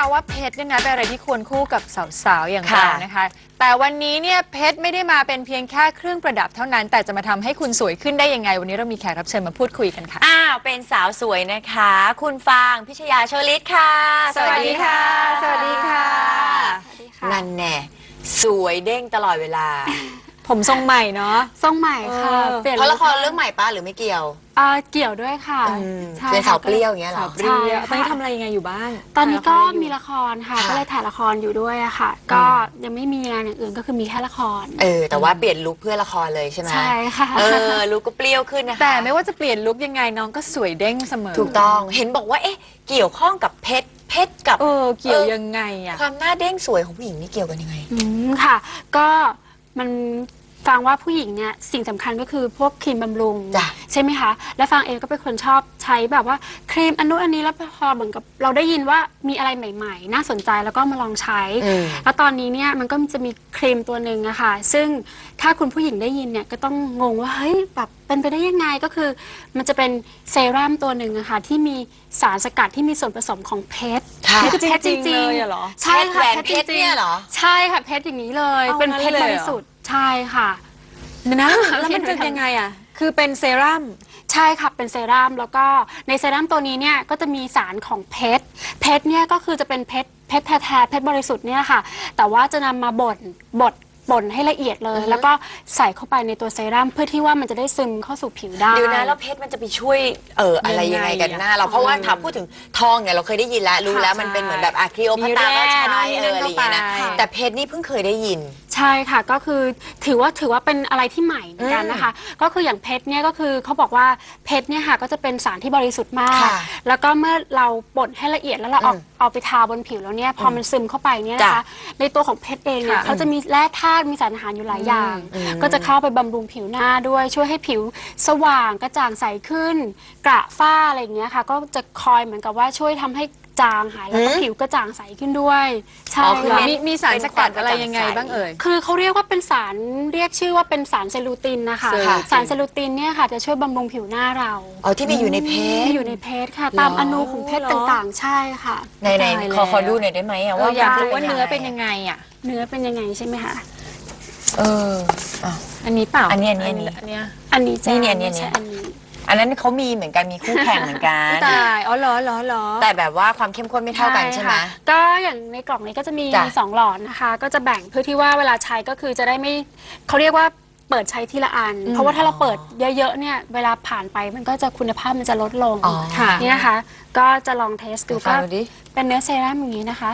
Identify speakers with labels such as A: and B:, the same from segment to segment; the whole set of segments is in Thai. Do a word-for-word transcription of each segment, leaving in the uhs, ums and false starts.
A: นะคะว่าเพชรเนี่ยนะเป็นอะไรที่ควรคู่กับสาวๆอย่างเรานะคะแต่วันนี้เนี่ยเพชรไม่ได้มาเป็นเพียงแค่เครื่องประดับเท่านั้นแต่จะมาทำให้คุณสวยขึ้นได้ยังไงวันนี้เรามีแขกรับเชิญมาพูดคุยกันค่ะ
B: อ้าวเป็นสาวสวยนะคะคุณฟางพิชยาโชลิตค่ะ
A: สวัสดีค่ะสวัสดีค่ะ
B: นั่นแน่สวยเด้งตลอดเวลา
A: ผมทรงใหม่เนาะ
C: ทรงใหม่ค่ะ
B: เพราะละครเรื่องใหม่ป้าหรือไม่เกี่ยว
C: อ่าเกี่ยวด้วยค่ะ
B: เป็นสาวเปรี้ยวอย่างเงี้ยหรอ
A: เปรี้ยวตอนนี้ทำอะไรยังไงอยู่บ้าง
C: ตอนนี้ก็มีละครค่ะก็เลยถ่ายละครอยู่ด้วยอะค่ะก็ยังไม่มีงานอย่างอื่นก็คือมีแค่ละคร
B: เออแต่ว่าเปลี่ยนลุคเพื่อละครเลยใช่ไหม
C: ใช่ค่ะ
B: เออลุคก็เปรี้ยวขึ้นนะคะ
A: แต่ไม่ว่าจะเปลี่ยนลุคยังไงน้องก็สวยเด้งเสมอ
B: ถูกต้องเห็นบอกว่าเอ๊ะเกี่ยวข้องกับเพชรเพชรกับ
A: เออเกี่ยวยังไงอะ
B: ความหน้าเด้งสวยของผู้หญิงนี่เกี่ยวกันยังไง
C: อืมค่ะก็มันฟังว่าผู้หญิงเนี่ยสิ่งสำคัญก็คือพวกครีมบำรุงใช่ไหมคะและฟังเองก็เป็นคนชอบใช้แบบว่าครีมอันนู้นอันนี้แล้วพอเหมือนกับเราได้ยินว่ามีอะไรใหม่ๆน่าสนใจแล้วก็มาลองใช้แล้วตอนนี้เนี่ยมันก็จะมีครีมตัวหนึ่งอะค่ะซึ่งถ้าคุณผู้หญิงได้ยินเนี่ยก็ต้องงงว่าเฮ้ยแบบเป็นไปได้ยังไงก็คือมันจะเป็นเซรั่มตัวหนึ่งอะค่ะที่มีสารสกัดที่มีส่วนผสมของเพชร
A: นี่คือเพชรจริงๆเลยเหรอ
C: ใช่ค่ะ
B: เพชรเนี่ยเหรอ
C: ใช่ค่ะเพชรอย่างนี้เลยเป็นเพชรบริสุทธิ์ใช่ค่ะ
A: นะแล้วมันจะยังไงอ่ะคือเป็นเซรั่ม
C: ใช่ค่ะเป็นเซรั่มแล้วก็ในเซรั่มตัวนี้เนี่ยก็จะมีสารของเพชรเพชรเนี่ยก็คือจะเป็นเพชรเพชรแท้ๆเพชรบริสุทธิ์เนี่ยค่ะแต่ว่าจะนำมาบดบดบ่นให้ละเอียดเลยแล้วก็ใส่เข้าไปในตัวเซรั่มเพื่อที่ว่ามันจะได้ซึมเข้าสู่ผิวได้
B: เดี๋ยวนะแล้วเพชรมันจะไปช่วยเอออะไรยังไงกันหน้าเราเพราะว่าถามพูดถึงทองเนี่ยเราเคยได้ยินแล้วรู้แล้วมันเป็นเหมือนแบบอะคลีโอพัตราก็ใช้เอออะไรอย่างเงี้ยนะแต่เพชรนี่เพิ่งเคยได้ยิน
C: ใช่ค่ะก็คือถือว่าถือว่าเป็นอะไรที่ใหม่เหมือนกันนะคะก็คืออย่างเพชรเนี่ยก็คือเขาบอกว่าเพชรเนี่ยค่ะก็จะเป็นสารที่บริสุทธิ์มากแล้วก็เมื่อเราบดให้ละเอียดแล้วเราเอาเอาไปทาบนผิวแล้วเนี่ยพอมันซึมเข้าไปเนี่ยนะคะในตัวของเพชรเองเนี่ยเขาจะมีแร่ธาตุมีสารอาหารอยู่หลายอย่างก็จะเข้าไปบำรุงผิวหน้าด้วยช่วยให้ผิวสว่างกระจ่างใสขึ้นกระฝ้าอะไรอย่างเงี้ยค่ะก็จะคอยเหมือนกับว่าช่วยทำให้จางหายแล้วก็ผิวกระจ่างใสขึ้นด้วย
A: ใช่มีมีสารสกัดอะไรยังไงบ้างเอ่ย
C: คือเขาเรียกว่าเป็นสารเรียกชื่อว่าเป็นสารเซลูตินนะคะสารเซลูตินเนี่ยค่ะจะช่วยบำรุงผิวหน้าเรา
B: อ๋อที่มีอยู่ในเพชร
C: มีอยู่ในเพชรค่ะตามอนูของเพชรต่างๆใช่ค่ะ
B: ในในขอขอดูหน่อยได้ไหมอะว่า
A: อยากรู้ว่าเนื้อเป็นยังไงอะ
C: เนื้อเป็นยังไงใช่ไหมคะ
B: เออ
A: อันนี้เปล่า
B: อันนี้อันนี้อันนี้
C: อันนี้อันนี้
B: ใช่อันนี้อันนี้อันนั้นเขามีเหมือนกันมีคู่แข่งเหมือนกัน
A: ตายอ๋อเหรอเหรอเหรอ
B: แต่แบบว่าความเข้มข้นไม่เท่ากันใช่ไหม
C: ก็อย่างในกล่องนี้ก็จะมีสองหลอดนะคะก็จะแบ่งเพื่อที่ว่าเวลาใช้ก็คือจะได้ไม่เขาเรียกว่าเปิดใช้ทีละอันเพราะว่าถ้าเราเปิดเยอะๆเนี่ยเวลาผ่านไปมันก็จะคุณภาพมันจะลดลงนี่นะคะก็จะลองเทสดูก็เป็นเนื้อเซรั่มอย่างนี้นะคะ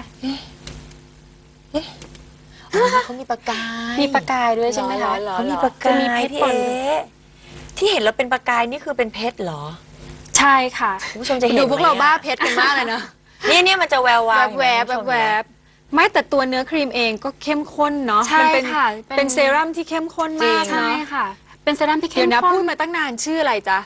B: เขามีประกาย
C: มีประกายด้วยใช่ไหมคะ
B: เขามีประกายพี่เอ๋ที่เห็นแล้วเป็นประกายนี่คือเป็นเพชรเหรอ
C: ใช่ค่ะ
B: คุณผู้ชมจะเห็น
A: ดูพวกเราบ้าเพชรกันมากเลยนะ
B: นี่เนี่ยมันจะแวววาว
A: แวบแวบแวบไม่แต่ตัวเนื้อครีมเองก็เข้มข้นเนาะ
C: ใช่ค่ะ
A: เป็นเซรั่มที่เข้มข้นมาก
C: ใช่ค่ะเป็นเซรั่มที่เข้มข้น
A: เดี๋ยวนะพูดมาตั้งนานชื่ออะไรจ๊ะ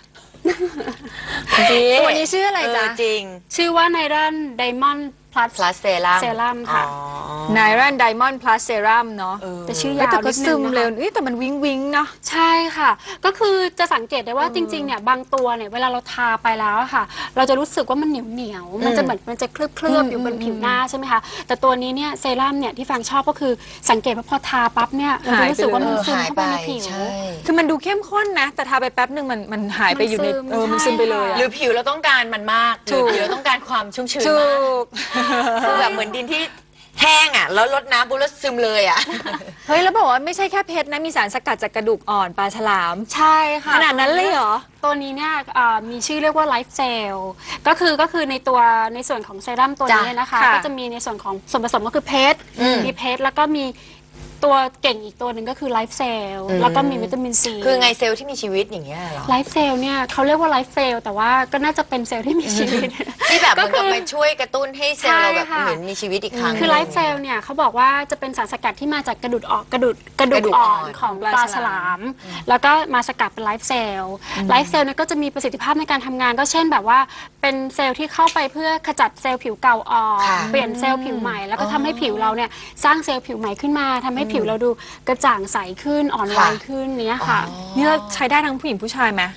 A: ตัวนี้ชื่ออะไรจ๊ะ
B: จริง
C: ชื่อว่าไนรันไดมอนด์
B: plus plus serum
C: เซรั่มค่ะ
A: ไนรันไดมอนด์ plus serum เนาะ
C: แต่ชื่อยาว
A: แต่ก็ซึมเร็วแต่มันวิ้งวิ้งเนาะ
C: ใช่ค่ะก็คือจะสังเกตได้ว่าจริงๆเนี่ยบางตัวเนี่ยเวลาเราทาไปแล้วค่ะเราจะรู้สึกว่ามันเหนียวเหนียวมันจะเหมือนมันจะเคลือบเคลือบอยู่บนผิวหน้าใช่ไหมคะแต่ตัวนี้เนี่ยเซรั่มเนี่ยที่ฟังชอบก็คือสังเกตว่าพอทาปั๊บเนี่ยเราจะรู้สึกว่ามันซึมเข้าไปในผิว
A: คือมันดูเข้มข้นนะแต่ทาไปแป๊บหนึ่งมันมันหายไปอยู่ในเออมันซึมไปเลย
B: หรือผิวเราต้องการมันมากหรือผิวเราต้องการความชุ่มชื้นมากคือแบบเหมือนดินที่แห้งอ่ะแล้วลดน้ำปุ๊บแล้วซึมเลยอ่ะ
A: เฮ้ยแล้วบอกว่าไม่ใช่แค่เพชรนะมีสารสกัดจากกระดูกอ่อนปลาฉลาม
C: ใช่ค่ะ
A: ขนาดนั้นเลยเหรอ
C: ตัวนี้เนี่ยมีชื่อเรียกว่าไลฟ์เซลก็คือก็คือในตัวในส่วนของเซรั่มตัวนี้นะคะก็จะมีในส่วนของส่วนผสมก็คือเพชรมีเพชรแล้วก็มีตัวเก่งอีกตัวหนึ่งก็คือไลฟ์เซลแล้วก็มีวิตามินซี
B: คือไงเซลล์ที่มีชีวิตอย่างเงี้ยเหรอ
C: ไลฟ์เซลเนี่ยเขาเรียกว่าไลฟ์เซลแต่ว่าก็น่าจะเป็นเซลล์ที่มีชีวิต
B: ที่แบบมันก็ไปช่วยกระตุ้นให้เซลล์เราแบบเหมือนมีชีวิตอีกครั้ง
C: คือไลฟ์เซลเนี่ยเขาบอกว่าจะเป็นสารสกัดที่มาจากกระดูกอ่อนกระดูกกระดูกอ่อนของปลาฉลามแล้วก็มาสกัดเป็นไลฟ์เซลไลฟ์เซลเนี่ยก็จะมีประสิทธิภาพในการทำงานก็เช่นแบบว่าเป็นเซลล์ที่เข้าไปเพื่อขจัดเซลล์ผิวเก่าออกเปลี่ยนเซลล์ผิวใหม่แล้วก็ทำให้ผิวเราเนี่ยสร้างเซลล์ผิวใหม่ขึ้นมาทำให้ผิวเราดูกระจ่างใสขึ้นอ่อนวัยขึ้นเนี้ยค่ะ
A: นี่เราใช้ได้ทั้งผู้หญิงผู้ชายไหม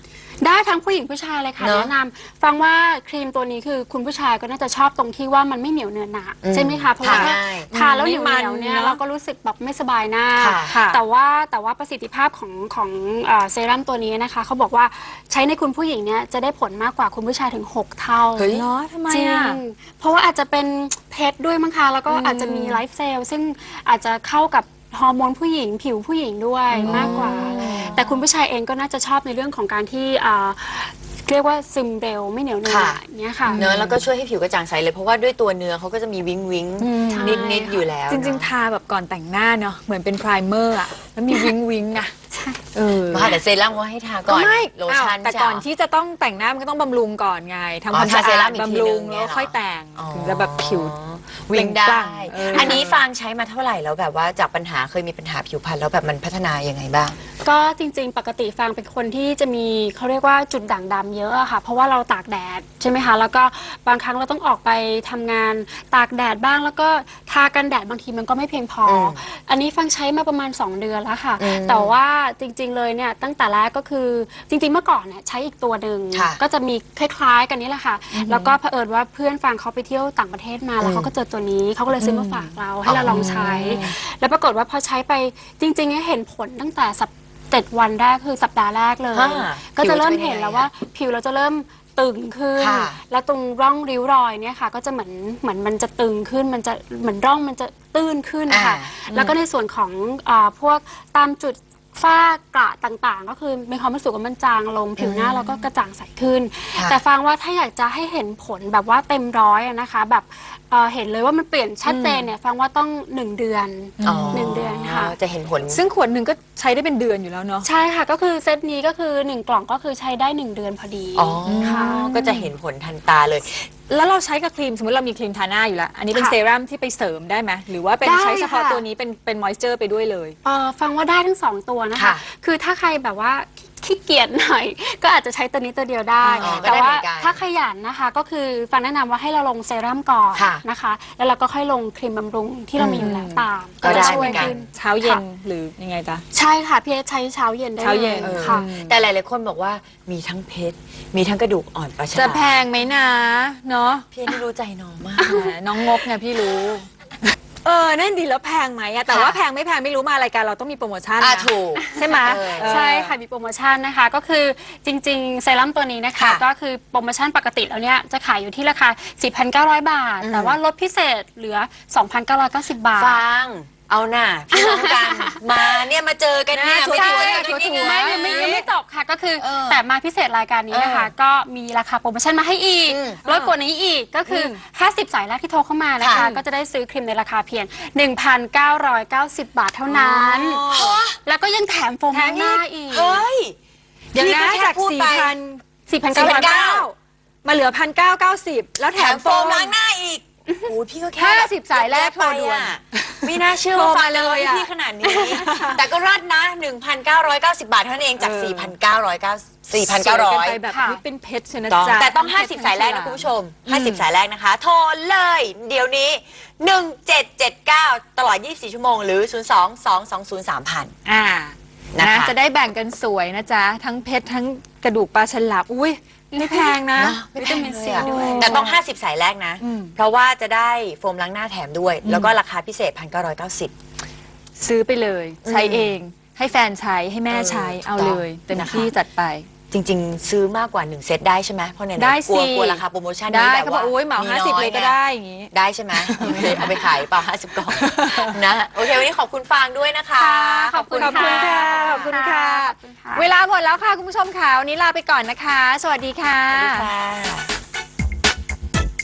C: ได้ทั้งผู้หญิงผู้ชายเลยค่ะ
B: เนอะ
C: แนะนำฟังว่าครีมตัวนี้คือคุณผู้ชายก็น่าจะชอบตรงที่ว่ามันไม่เหนียวเนื้อหนา
B: อืม
C: ใช่ไหมคะเพราะว่า
B: ทาง่าย
C: ทาแล้วเหนียว
A: ไม่
C: เห
A: มัน
C: นียวเนี่ย
A: เนอะ
C: เราก็รู้สึกแบบไม่สบายหน้า
B: ค่ะ
A: ค่ะ
C: แต่ว่าแต่ว่าประสิทธิภาพของของเอ่อเซรั่มตัวนี้นะคะเขาบอกว่าใช้ในคุณผู้หญิงเนี่ยจะได้ผลมากกว่าคุณผู้ชายถึงหกเท่า
B: เฮ้ย
A: เนาะทำไม
C: จริง
A: อ่ะ
C: เพราะว่าอาจจะเป็นเพชรด้วยมั้งคะแล้วก็อาจจะมีไลฟ์เซลล์ซึ่งอาจจะเข้ากับฮอร์โมนผู้หญิงผิวผู้หญิงด้วยมากกว่า แต่คุณผู้ชายเองก็น่าจะชอบในเรื่องของการที่อ่าเรียกว่าซึมเร็วไม่เหนียวเนื้อ
B: ค่ะ
C: อย่างเงี้ยค่ะ
B: เนอะแล้วก็ช่วยให้ผิวกระจ่างใสเลยเพราะว่าด้วยตัวเนื้อเขาก็จะมีวิงวิง
A: ม
B: นิดนิดๆอยู่แล้ว
A: จริง
B: เนอะ
A: ๆ ทาแบบก่อนแต่งหน้าเนาะเหมือนเป็นไพรเมอร์อะแล้วมีวิงวิงอะเออ
B: มาแต่เซรั่มก็ให้ทาก่อน
A: ไม่
B: โลชั่น
A: อ้าวแต่
B: ใช่
A: ก่อน
B: เหร
A: ที่จะต้องแต่งหน้ามันก็ต้องบำรุงก่อนไงทำ
B: อ๋อ
A: ความสะ
B: ทาเซรั่
A: อาม ด
B: อีกที
A: บำรุง
B: นึงเนี่ย
A: แล้วค่อยแต่ง
B: อ๋อ
A: ถึงจะแบบผิว
B: วิ่งได้
A: เปล่งปลั่งเอออั
B: อันนี้ฟางใช้มาเท่าไหร่แล้วแบบว่าจากปัญหาเคยมีปัญหาผิวพรรณแล้วแบบมันพัฒนายังไงบ้าง
C: ก็จริงๆ ปกติฟางเป็นคนที่จะมีเขาเรียกว่าจุดด่างดำเยอะอะค่ะ เพราะว่าเราตากแดดใช่ไหมคะ แล้วก็บางครั้งเราต้องออกไปทำงานตากแดดบ้าง แล้วก็ทากันแดดบางทีมันก็ไม่เพียงพออ
B: ม
C: อันนี้ฟังใช้มาประมาณ สอง เดือนแล้วค่ะ
B: อืม
C: แต่ว่าจริงๆ เลยเนี่ยตั้งแต่แรกก็คือจริงๆ เมื่อก่อนเนี่ยใช้อีกตัวหนึ่ง
B: ค่ะ
C: ก็จะมีคล้ายๆ กันนี้แหละค่ะ แล้วก็เผอิญว่าเพื่อนฟังเขาไปเที่ยวต่างประเทศมาแล้วเขาก็เจอตัวนี้เขาก็เลยซื้อมาฝากเราให้เราลองใช้ แล้วปรากฏว่าพอใช้ไปจริงๆเนี่ยเห็นผลตั้งแต่สัปเจ็ดวันแรกคือสัปดาห์แรกเลย
B: ฮะ
C: ก็จะเริ่ม
B: ผิวจะเป็นยังไง
C: เห็นแล้วว่าผิวเราจะเริ่มตึงขึ้น
B: ค่ะ
C: แล้วตรงร่องริ้วรอยเนี่ยค่ะ ก็จะเหมือนเหมือนมันจะตึงขึ้นมันจะเหมือนร่องมันจะตื้นขึ้นค่ะ
B: อ่า
C: แล้วก็ในส่วนของอาพวกตามจุดฝ้ากระต่างๆ ก็คือมีความรู้สึกว่ามันจางลงผิวหน้าเราก็กระจ่างใสขึ้น
B: ค่ะ
C: แต่ฟังว่าถ้าอยากจะให้เห็นผลแบบว่าเต็มร้อยอะนะคะ แบบเอ่อเห็นเลยว่ามันเปลี่ยนชัดเจนเนี่ยฟังว่าต้องหนึ่งเดือน
B: อ๋อ
C: หนึ่งเดือนค่ะ
B: จะเห็นผล
A: ซึ่งขวดหนึ่งก็ใช้ได้เป็นเดือนอยู่แล้วเนาะ
C: ใช่ค่ะก็คือเซตนี้ก็คือหนึ่งกล่องก็คือใช้ได้หนึ่งเดือนพอดี
B: อ๋อ
C: ค่ะ
B: ก็จะเห็นผลทันตาเลย
A: แล้วเราใช้กับครีมสมมติเรามีครีมทาหน้าอยู่แล้ว อันนี้เป็น
C: ค่ะ
A: เซรั่มที่ไปเสริมได้ไหมหรือว่าเป็น
C: ได้
A: ใช้เฉพาะ
C: ค่ะ
A: ตัวนี้เป็นเป็นมอยเจอร์ไปด้วยเลย
C: เอ่อฟังว่าได้ทั้งสองตัวนะคะ
B: ค่ะ
C: คือถ้าใครแบบว่าขี้เกียจหน่อย ก็อาจจะใช้ตัวนี้ตัวเดียวได้
B: อ๋อก็
C: แต่
B: ได้
C: ว่า
B: เหมือนกัน
C: ถ้าขยันนะคะ ก็คือฟังแนะนำว่าให้เราลงเซรั่มก่อน
B: ค่ะ
C: นะคะ แล้วเราก็ค่อยลงครีมบำรุงที่เรามีอยู่แล้วตาม
B: ก็ได้
C: จะช่วย
B: เหมือนกัน
C: ขึ้น
A: เช้าเย็น
C: ค่ะ
A: หรือยังไงจ๊ะ
C: ใช่ค่ะพี่เอใช้เช้าเย็นได้
A: เช้าเย็น
C: ล
B: เออ
C: ค่ะ
B: แต่หลายๆคนบอกว่ามีทั้งเพชรมีทั้งกระดูกอ่อนปลาฉลาม
A: จะแพงไหมนะเนาะ
B: พี่นี่รู้ใจน้องมาก
A: แหมน้องงกไงพี่รู้ เออนั่นดีแล้วแพงไหมอะแต่
B: ค่ะ
A: ว่าแพงไม่แพงไม่รู้มารายการเราต้องมีโปรโมชั่น
B: อ่ะ
A: นะ
B: ถูก
A: ใช่ไหม
B: เออ
A: เออ
C: ใช่ค่ะมีโปรโมชั่นนะคะก็คือจริงๆเซรั่มตัวนี้นะคะ
B: ค่ะ
C: ก็คือโปรโมชั่นปกติแล้วเนี่ยจะขายอยู่ที่ราคา สี่พันเก้าร้อย บาท
B: อืม
C: แต่ว่าลดพิเศษเหลือ สองพันเก้าร้อยเก้าสิบ บาท
B: ฟังเอาหน่าพี่น้องกัน มาเนี่ยมาเจอกันเนี่ย
A: นะ
B: ไม่
A: ใช่
B: ถูก
A: ถู
B: ไม่
A: ก
B: ถูก
C: ไม่ยังไม่ยังไม่จบค่ะก็คือ
B: เออ
C: แต่มาพิเศษรายการนี้นะคะ
B: เออ
C: ก็มีราคาโปรโมชั่นมาให้อีก
B: อืม
C: ลดกว่านี้อีกก็คืออห้าสิบสายแรกที่โทรเข้ามานะคะ
B: ค่ะ
C: ก็จะได้ซื้อครีมในราคาเพียง หนึ่งพันเก้าร้อยเก้าสิบ บาทเท่านั้น
B: อ๋อ
C: แล้วก็ยังแถมโฟม
A: แถม
C: หน้าอีก
B: เฮ้ย
A: เดี๋ยวนะ
B: พี่ก็แค่
A: จาก
B: พูด
A: สี่
B: ไป
A: พัน
C: สี่พัน
A: เก้า
C: เก้าร้อย
A: เก้ามาเหลือพันเก้าเก้าสิบแล้วแถ
B: แถ
A: ม
B: ม
A: โฟ
B: โฟม
A: ม
B: ล้างหน้าอีกโอ้ยพี่ก็แค่
A: ห้าสิบสายแรกโทรด่วน
B: ไม่น่าเชื่อ
A: โทร
B: ว่า
A: มา
B: ฟัง
A: เล
B: เลย ย
A: อะ
B: พี่ขนาดนี้ แต่ก็รัดนะ หนึ่งพันเก้าร้อยเก้าสิบ บาทเท่านั้นเองจาก
A: เออ
B: สี่พันเก้าร้อยเก้าสิบ สี่พันเก้าร้อย
A: สวกันไปแบบ
C: ค่ะ
A: อุ๊ยเป็นเพชรชนะ
B: ต้อง
A: จ๊ะ
B: แต่ต้อง ห้าสิบ สายแรกนะคุณผู้ชม ห้าสิบ สายแรกนะคะ โทรเลย เดี๋ยวนี้ หนึ่งเจ็ดเจ็ดเก้า ตลอด ยี่สิบสี่ ชั่วโมง หรือ ศูนย์ สอง สอง สอง ศูนย์ สาม ศูนย์
A: อ่า
B: นะคะ
A: นะจะได้แบ่งกันสวยนะจ๊ะ ทั้งเพชรทั้งกระดูกปลาฉลามอุ้ยไม่แพงนะ
B: เนอะไม่
C: วิ
B: แพ
C: ตาง มิน
B: เลย
C: ซี
B: อะ
C: ด้วย
B: แต่ต้อง ห้าสิบ สายแรกนะ
A: อืม
B: เพราะว่าจะได้โฟมล้างหน้าแถมด้วย แล้วก็ราคาพิเศษ หนึ่งพันเก้าร้อยเก้าสิบ
A: ซื้อไปเลย ใช้
B: อืม
A: เอง ให้แฟนใช้ให้แม่ใช้
B: เออ
A: เอาเลย
B: ถูกต้อง
A: เต็ม
B: นะคะ
A: ที่จัดไป
B: จริง ๆ ซื้อมากกว่า หนึ่ง เซตได้ใช่ไหมเพราะไหนๆ
A: ได้
B: กลัว
A: สิ
B: กลัวราคาโปรโมชั่น
A: ได้
B: นี้แบบ
A: เขาบอก
B: ว่า
A: โอ้ยเหมาห้าสิบ
B: น้อ
A: เลยก็
B: ไง
A: ได้อย่างงี้
B: ได้ใช่ไหมโอเคเอาไปขายเปล่าห้าสิบกล่องนะ โอเค วันนี้ขอบคุณฟางด้วยนะคะ
C: ขอบคุณ
A: ขอบคุณค่ะ ขอบคุณค่ะ
C: ขอบคุณค่ะ
A: เวลาหมดแล้วค่ะคุณผู้ชมค่ะวันนี้ลาไปก่อนนะคะ สวัสดีค่ะ
B: สวัสดีค่ะ